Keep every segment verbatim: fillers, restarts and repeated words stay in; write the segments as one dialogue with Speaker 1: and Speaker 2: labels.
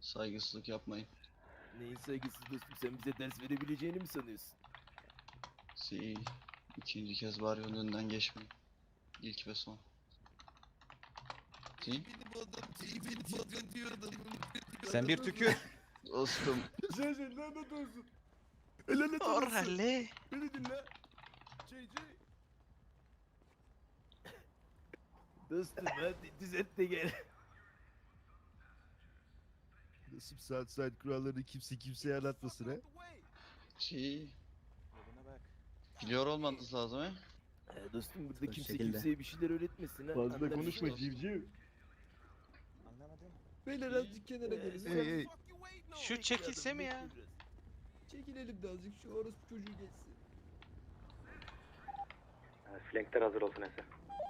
Speaker 1: Saygısızlık yapmayın.
Speaker 2: Neyin saygısız dostum, sen bize ders verebileceğini mi sanıyorsun?
Speaker 1: Si, ikinci kez var yolun önünden geçmeyin. İlk ve son. Si,
Speaker 3: Sen bir tükür.
Speaker 1: dostum.
Speaker 2: Sen sen lanet olsun. Lanet olsun.
Speaker 4: Orale.
Speaker 2: Beni dinle. Şey şey. Dostum hadi düzelt de gel.
Speaker 5: Nasıl Southside kurallarını kimse kimseye anlatmasın ha?
Speaker 1: Si,
Speaker 3: Yoluna bak.
Speaker 1: biliyor olmanız lazım he?
Speaker 2: Ee, dostum burada
Speaker 3: Bu
Speaker 2: kimse
Speaker 3: şekilde.
Speaker 2: kimseye bir şeyler öğretmesin ha.
Speaker 5: Fazla
Speaker 2: Anladın
Speaker 5: konuşma
Speaker 2: mı?
Speaker 5: civciv.
Speaker 3: Anlamadım.
Speaker 5: Beyler azıcık kenara gelin.
Speaker 2: Hey,
Speaker 5: Hey hey.
Speaker 4: Şu çekilse mi ya?
Speaker 5: Çekilelim de azıcık şu orospu çocuğu geçsin.
Speaker 6: Flankler hazır olsun Ese.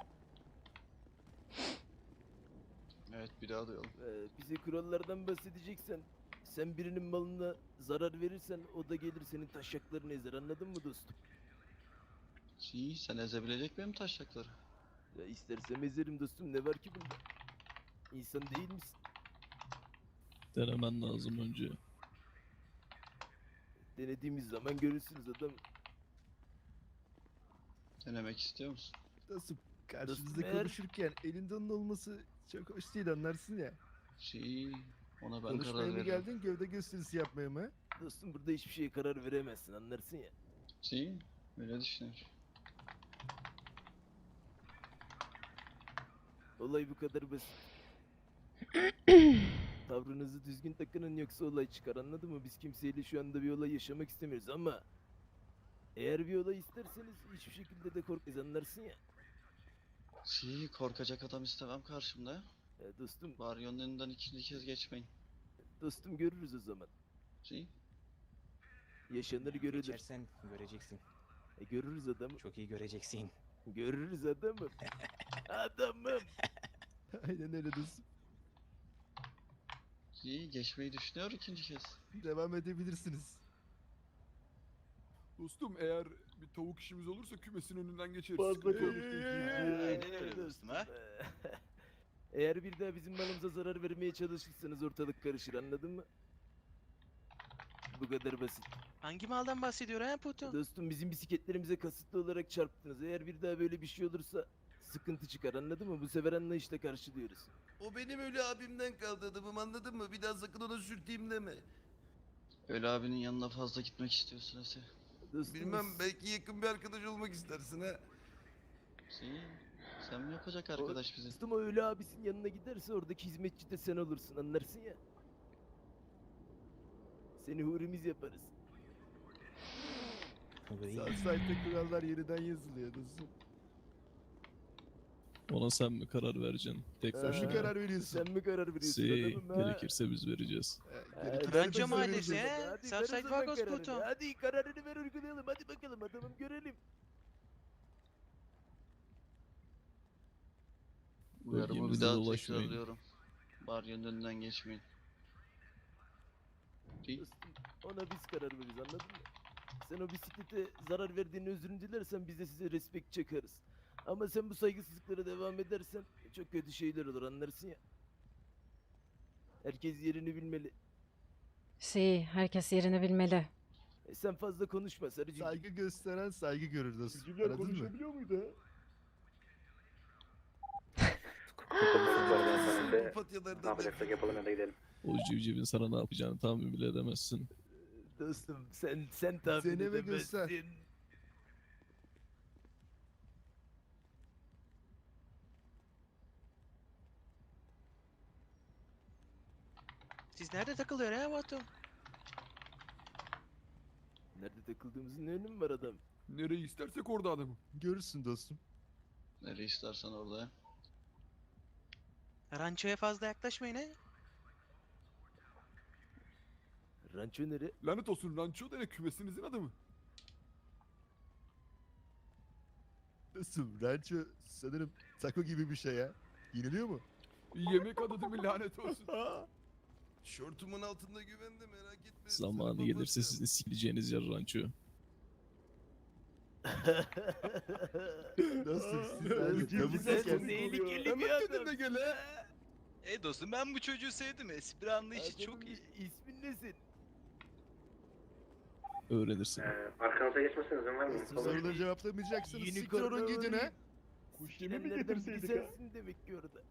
Speaker 1: Evet, bir daha duyalım.
Speaker 2: Ee, bize kurallardan bahsedeceksen, sen birinin malına zarar verirsen o da gelir senin taşaklarını ezer, anladın mı dostum?
Speaker 1: Si, sen ezebilecek benim taşakları.
Speaker 2: Ya istersem ezerim dostum, ne var ki bunda? İnsan değil misin?
Speaker 7: Denemen lazım önce.
Speaker 2: Denediğimiz zaman görürsünüz adam.
Speaker 1: Denemek istiyor musun?
Speaker 5: Nasıl karşınızda
Speaker 2: Dostum, eğer-
Speaker 5: konuşurken elinde onun olması çok hoş değil anlarsın ya.
Speaker 1: Si, ona ben
Speaker 5: Konuşmaya
Speaker 1: karar
Speaker 5: mı
Speaker 1: veririm.
Speaker 5: geldin gövde gösterisi yapmaya mı?
Speaker 2: Dostum burada hiçbir şeye karar veremezsin, anlarsın ya.
Speaker 1: Si, öyle düşünüyorum.
Speaker 2: Olay bu kadar basit. Tavrınızı düzgün takının yoksa olay çıkar, anladın mı? Biz kimseyle şu anda bir olay yaşamak istemiyoruz ama eğer bir olay isterseniz hiçbir şekilde de korkmayız, anlarsın ya.
Speaker 1: Si, korkacak adam istemem karşımda.
Speaker 2: Ya dostum,
Speaker 1: Var yolun önünden ikinci kez geçmeyin.
Speaker 2: dostum görürüz o zaman.
Speaker 1: Si,
Speaker 2: Yaşanır görülür.
Speaker 3: Geçersen göreceksin.
Speaker 2: E, görürüz adamı.
Speaker 3: Çok iyi göreceksin.
Speaker 2: Görürüz adamım. Adamım.
Speaker 5: Aynen öyle dostum.
Speaker 1: si, geçmeyi düşünüyor ikinci kez.
Speaker 5: Devam edebilirsiniz.
Speaker 8: Dostum eğer bir tavuk işimiz olursa kümesin önünden geçeriz.
Speaker 5: Fazla
Speaker 8: Sıkıntı yok.
Speaker 5: konuştun
Speaker 4: Aynen öyle dostum ha.
Speaker 2: Eğer bir daha bizim malımıza zarar vermeye çalışırsanız ortalık karışır, anladın mı? Bu kadar basit.
Speaker 4: Hangi maldan bahsediyor ha Puto?
Speaker 2: Dostum bizim bisikletlerimize kasıtlı olarak çarptınız. Eğer bir daha böyle bir şey olursa sıkıntı çıkar, anladın mı? Bu sefer anlayışla karşılıyoruz.
Speaker 9: O benim öyle abimden kaldı adamım, anladın mı? Bir daha sakın ona sürteyim deme.
Speaker 1: Öyle abinin yanına fazla gitmek istiyorsun Ese.
Speaker 2: Dostum,
Speaker 9: Bilmem,
Speaker 2: biz-
Speaker 9: belki yakın bir arkadaş olmak istersin ha.
Speaker 1: Si, sen mi yapacak arkadaş bizi?
Speaker 2: Dostum o öyle abisinin yanına giderse oradaki hizmetçi de sen olursun, anlarsın ya. Seni hurimiz yaparız.
Speaker 3: Vay.
Speaker 5: Southside'de kurallar yeniden yazılıyor dostum.
Speaker 7: Ona sen mi karar vereceksin? Tek
Speaker 2: Ee,
Speaker 5: Sen
Speaker 7: başına.
Speaker 5: mi karar veriyorsun?
Speaker 2: Sen mi karar veriyorsun
Speaker 7: Si,
Speaker 2: adamım ha?
Speaker 7: gerekirse biz vereceğiz.
Speaker 5: Ee,
Speaker 2: Ee,
Speaker 5: gerekirse
Speaker 4: Rancho
Speaker 5: biz
Speaker 4: mahallesi
Speaker 5: veririz.
Speaker 4: he?
Speaker 2: Hadi ver o
Speaker 4: Southside
Speaker 2: zaman
Speaker 4: Vagos
Speaker 2: kararını.
Speaker 4: Puto.
Speaker 2: Hadi kararını ver, uygulayalım. Hadi bakalım adamım, görelim.
Speaker 1: Uyarımı bir
Speaker 7: Bölgemizde
Speaker 1: daha
Speaker 7: dolaşmayın.
Speaker 1: tekrarlıyorum. Baryonun önünden geçmeyin. Si,
Speaker 2: Dostum ona biz karar veririz, anladın mı? Sen o bisiklete zarar verdiğini özrünü dilersen biz de size respekt çakarız. Ama sen bu saygısızlıklara devam edersen çok kötü şeyler olur, anlarsın ya. Herkes yerini bilmeli.
Speaker 10: Si, herkes yerini bilmeli.
Speaker 2: E sen fazla konuşma sarıcığım.
Speaker 5: Saygı gösteren saygı görür dostum.
Speaker 8: Civcivler
Speaker 5: Anladın mı?
Speaker 8: konuşabiliyor muydu ha?
Speaker 9: Bu
Speaker 6: Ne
Speaker 9: patyalardan
Speaker 6: yapacaksak yapalım ya da gidelim.
Speaker 7: O civcivin sana ne yapacağını tahmin bile edemezsin.
Speaker 2: Dostum sen sen tahmin
Speaker 5: Deneme göster.
Speaker 2: edemezsin.
Speaker 4: Siz nerede takılıyor ha Puto?
Speaker 2: Nerede takıldığımızın ne önemi var adam?
Speaker 8: Nereyi istersek orada adamım.
Speaker 5: Görürsün dostum.
Speaker 1: nereye istersen orada.
Speaker 4: Ranchoya fazla yaklaşmayın ha.
Speaker 2: Ranço nere?
Speaker 8: Lanet olsun ranço dene kümesinizin adamı.
Speaker 5: Dostum rancho sanırım taco gibi bir şey ya. Yeniliyor mu?
Speaker 8: Yemek adı değil mi lanet olsun.
Speaker 9: Şortumun altında güvende, merak etme.
Speaker 7: Zamanı
Speaker 9: Sana
Speaker 7: gelirse
Speaker 9: papatya.
Speaker 7: sizin sikileceğiniz yer ranço.
Speaker 5: Dostum siz
Speaker 8: Aa,
Speaker 5: yani
Speaker 8: civciv
Speaker 5: kabul
Speaker 8: sen
Speaker 5: ederken-
Speaker 2: tehlikeli
Speaker 8: Hemen
Speaker 2: bir adam.
Speaker 8: kendine gel ha.
Speaker 4: E dostum ben bu çocuğu sevdim. Espri anlayışı
Speaker 2: Adamın
Speaker 4: çok iyi.
Speaker 2: bir- İsmin ne senin?
Speaker 7: Öğrenirsin.
Speaker 6: Ee, arkanıza geçmesine izin vermeyin. Olur.
Speaker 5: Soruları cevaplamayacaksınız. Siktir
Speaker 2: Unicorn
Speaker 5: olun gidin ha.
Speaker 2: Kuş yemi mi getirseydik ha? Sensin demek ki orada.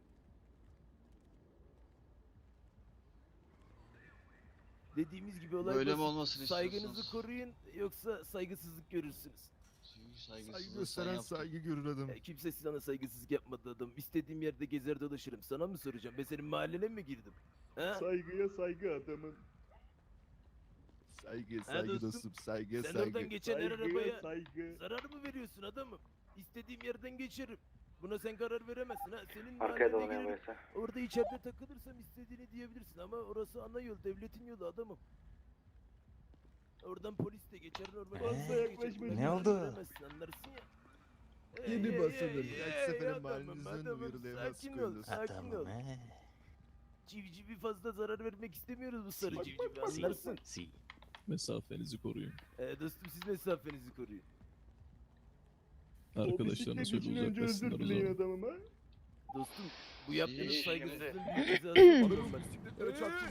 Speaker 2: Dediğimiz gibi olay
Speaker 1: Böyle mi
Speaker 2: basit.
Speaker 1: olmasını
Speaker 2: Saygınızı
Speaker 1: istiyorsunuz?
Speaker 2: koruyun yoksa saygısızlık görürsünüz.
Speaker 1: Saygısızlığı
Speaker 5: Saygı
Speaker 1: sen
Speaker 5: gösteren
Speaker 1: yaptın.
Speaker 5: saygı görür adam.
Speaker 2: Ya kimse sana saygısızlık yapmadı adam. İstediğim yerde gezer dolaşırım. Sana mı soracağım? Ben senin mahallene mi girdim? Ha?
Speaker 5: Saygıya saygı adamın. Saygı saygı
Speaker 2: dostum,
Speaker 5: dostum saygı
Speaker 2: Sen
Speaker 5: saygı.
Speaker 2: oradan geçen her
Speaker 5: Saygıya
Speaker 2: arabaya
Speaker 5: saygı.
Speaker 2: zarar mı veriyorsun adamım? İstediğim yerden geçerim. Buna sen karar veremezsin ha. Senin
Speaker 6: Arkaya
Speaker 2: mahallene
Speaker 6: dolanıyor
Speaker 2: girerim.
Speaker 6: burası.
Speaker 2: Orada içeride takılırsam istediğini diyebilirsin ama orası ana yol, devletin yolu adamım. Oradan polis de geçer, normal
Speaker 3: Ee,
Speaker 2: insan da geçer.
Speaker 5: yaklaşma,
Speaker 2: Buna
Speaker 3: ne
Speaker 2: karar
Speaker 3: oldu?
Speaker 2: veremezsin, anlarsın ya.
Speaker 5: Yeni
Speaker 2: Hey, hey,
Speaker 5: basılır.
Speaker 2: hey,
Speaker 5: Belki
Speaker 2: hey,
Speaker 5: seferin
Speaker 2: adamım,
Speaker 5: mahallenizden
Speaker 2: adamım,
Speaker 5: uyarılayamaz
Speaker 2: Sakin ol,
Speaker 5: koyulur.
Speaker 2: sakin ol.
Speaker 3: Adamım he.
Speaker 2: Civcivi fazla zarar vermek istemiyoruz bu sarı
Speaker 3: Si,
Speaker 2: civcivi,
Speaker 3: si,
Speaker 2: anlarsın.
Speaker 3: si.
Speaker 7: Mesafenizi koruyun.
Speaker 2: Ee, dostum siz mesafenizi koruyun.
Speaker 7: Arkadaşlarına söyle uzaklaşsınlar o zaman.
Speaker 5: adamım ha.
Speaker 2: Dostum bu yaptığınız
Speaker 1: İyi,
Speaker 2: saygısızlığın büyük cezası olur bak.
Speaker 8: Bisikletlere çarptım.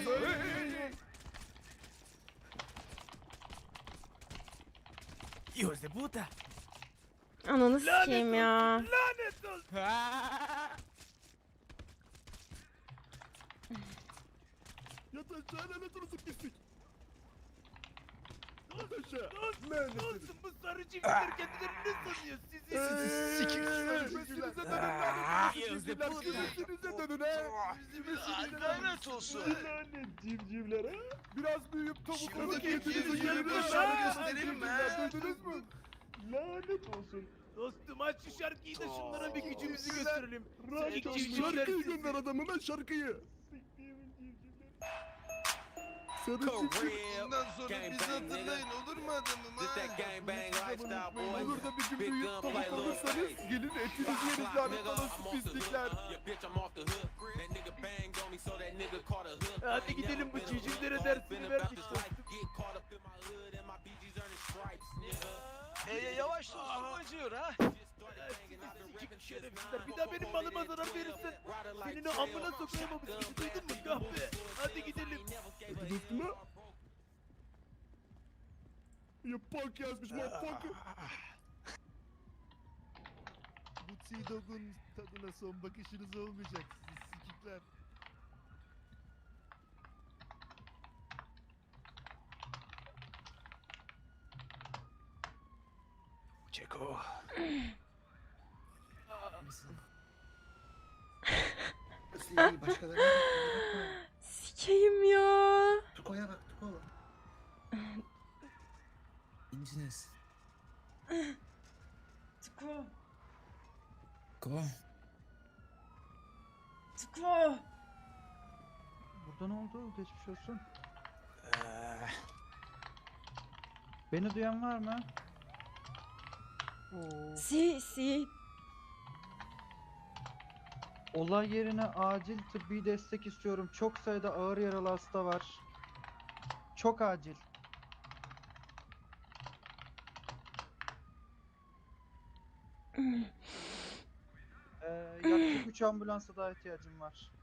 Speaker 3: Hijos de puta.
Speaker 10: Ananı sikeyim ya.
Speaker 2: Lanet olsun.
Speaker 5: Yat aşağı lanet olsun pislik. Yat aşağı.
Speaker 2: Dostum bu sarı civcivler kendilerini ne sanıyor sizi?
Speaker 5: Eee,
Speaker 8: Sikin
Speaker 5: eee,
Speaker 8: Kümesinize dönün
Speaker 5: eee,
Speaker 8: lanet
Speaker 3: Hijos
Speaker 8: olsun.
Speaker 3: de
Speaker 8: Civcivler
Speaker 3: puta.
Speaker 8: kümesinize dönün ha.
Speaker 4: Lanet olsun.
Speaker 5: Lanet civcivler ha.
Speaker 8: Biraz büyüyüp tavukları
Speaker 2: Şuradaki
Speaker 8: kendinize
Speaker 2: civcivleri
Speaker 8: gelin.
Speaker 2: başarı
Speaker 8: Lanet
Speaker 2: gösterelim mi,
Speaker 8: civcivler,
Speaker 2: ha?
Speaker 8: duydunuz mu?
Speaker 5: Lanet olsun.
Speaker 2: Dostum aç şu şarkıyı da şunlara bir gücümüzü
Speaker 8: Sizler-
Speaker 2: gösterelim.
Speaker 5: Rahat
Speaker 2: Sen
Speaker 5: ol.
Speaker 2: civcivler
Speaker 8: Şarkıyı
Speaker 2: sizi-
Speaker 8: gönder adamım ben şarkıyı.
Speaker 5: Siktiğimin civcivler.
Speaker 8: Sarı civciv.
Speaker 9: Bundan sonra bizi hatırlayın olur mu adamım ha?
Speaker 8: Olur da bir gün büyüyüp tavuk olursanız gelin etinizi yeriz lanet olası pislikler.
Speaker 2: Hadi gidelim bu civcivlere dersini verdik dostum.
Speaker 4: E yavaş dostum acıyor ha.
Speaker 2: Sikik şerefsizler. Bir daha benim malıma zarar verirsen senin o amına sokayım o bisikleti duydun mu kahpe? Hadi gidelim.
Speaker 8: Hadi dostum ha. Ya punk yazmış motherfucker.
Speaker 5: Bu T-Dog'un tadına son bakışınız olmayacak siz sikikler.
Speaker 3: Çeko.
Speaker 10: Sikeyim ya.
Speaker 9: Tuko'ya bak Tuko.
Speaker 11: İnciniz.
Speaker 10: Tuko.
Speaker 11: Ko.
Speaker 10: Tuko.
Speaker 12: Burada ne oldu? Geçmiş olsun.
Speaker 3: Ee,
Speaker 12: Beni duyan var mı? Oo.
Speaker 10: Si si.
Speaker 12: Olay yerine acil tıbbi destek istiyorum. Çok sayıda ağır yaralı hasta var. Çok acil. Ee, yaklaşık üç ambulansa daha ihtiyacım var.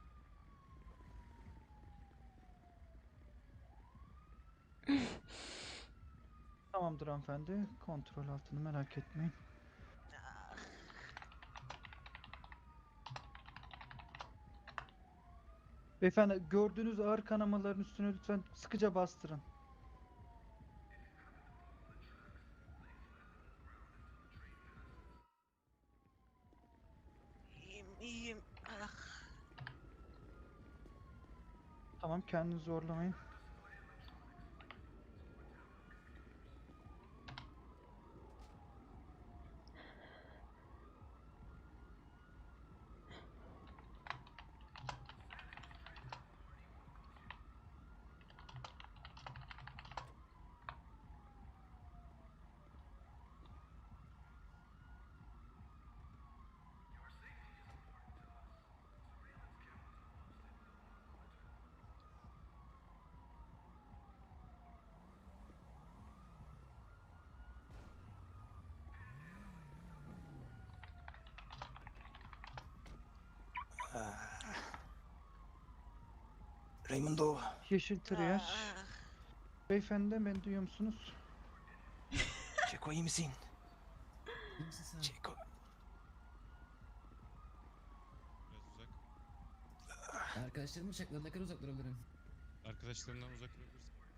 Speaker 12: Tamamdır hanımefendi. Kontrol altını merak etmeyin. Beyefendi gördüğünüz ağır kanamaların üstüne lütfen sıkıca bastırın.
Speaker 4: İyiyim iyiyim. Ah.
Speaker 12: Tamam kendinizi zorlamayın.
Speaker 3: Raimundo.
Speaker 12: Yeşil triyer.
Speaker 4: Ah.
Speaker 12: Beyefendi beni duyuyor musunuz?
Speaker 3: Çeko iyi misin?
Speaker 11: İyi misin sen?
Speaker 3: Çeko.
Speaker 11: Arkadaşlarım uçaklar ne kadar uzak durabilirim?
Speaker 7: Arkadaşlarından uzak durabilir